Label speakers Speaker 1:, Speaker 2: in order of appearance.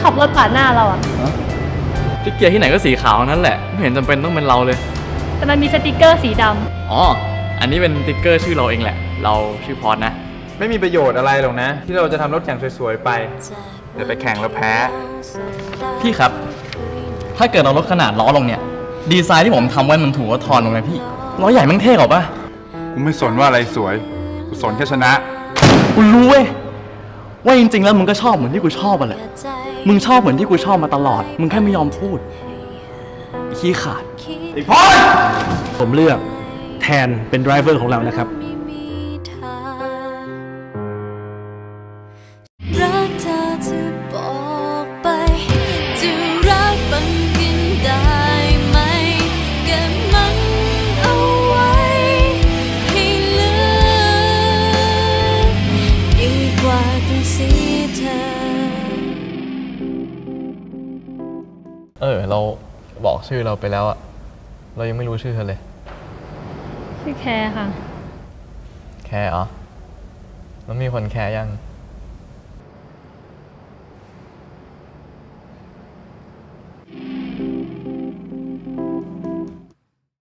Speaker 1: ขับรถผ่านหน้าเราอะ
Speaker 2: สติ๊กเกอร์ที่ไหนก็สีขาวนั่นแหละไม่เห็นจำเป็นต้องเป็นเราเลย
Speaker 1: แต่มันมีสติกเกอร์สีดำ
Speaker 2: อ๋ออันนี้เป็นสติ๊กเกอร์ชื่อเราเองแหละเราชื่อพอดนะ
Speaker 3: ไม่มีประโยชน์อะไรหรอกนะที่เราจะทำรถแข่งสวยๆไปเดี๋ยวไปแข่งแล้วแพ้
Speaker 2: พี่ครับถ้าเกิดเราลดขนาดล้อลงเนี่ยดีไซน์ที่ผมทำไว้มันถูกว่าทอนลงไหมพี่ล้อใหญ่แม่งเท่กว่าปะ
Speaker 3: กูไม่สนว่าอะไรสวยกูสนแค่ชนะ
Speaker 2: กูรู้เว้ยว่าจริงๆแล้วมึงก็ชอบเหมือนที่กูชอบอ่ะแหละมึงชอบเหมือนที่กูชอบมาตลอดมึงแค่ไม่ยอมพูดขี้ขาด
Speaker 3: อีกพอ
Speaker 4: ผมเลือกแทนเป็นไดรเวอร์ของเรานะครับ
Speaker 5: รักเธอจะบอกไปจะรักฟังกันได้ไหมเก็บมันเอาไว้ให้ลืมดีกว่าต้องเสียเธ
Speaker 2: อเราบอกชื่อเราไปแล้วอะเรายังไม่รู้ชื่อเธอเลย
Speaker 1: ชื่อแคร์ค่ะ
Speaker 2: แคร์เหรอแล้วมีคนแคร์ยัง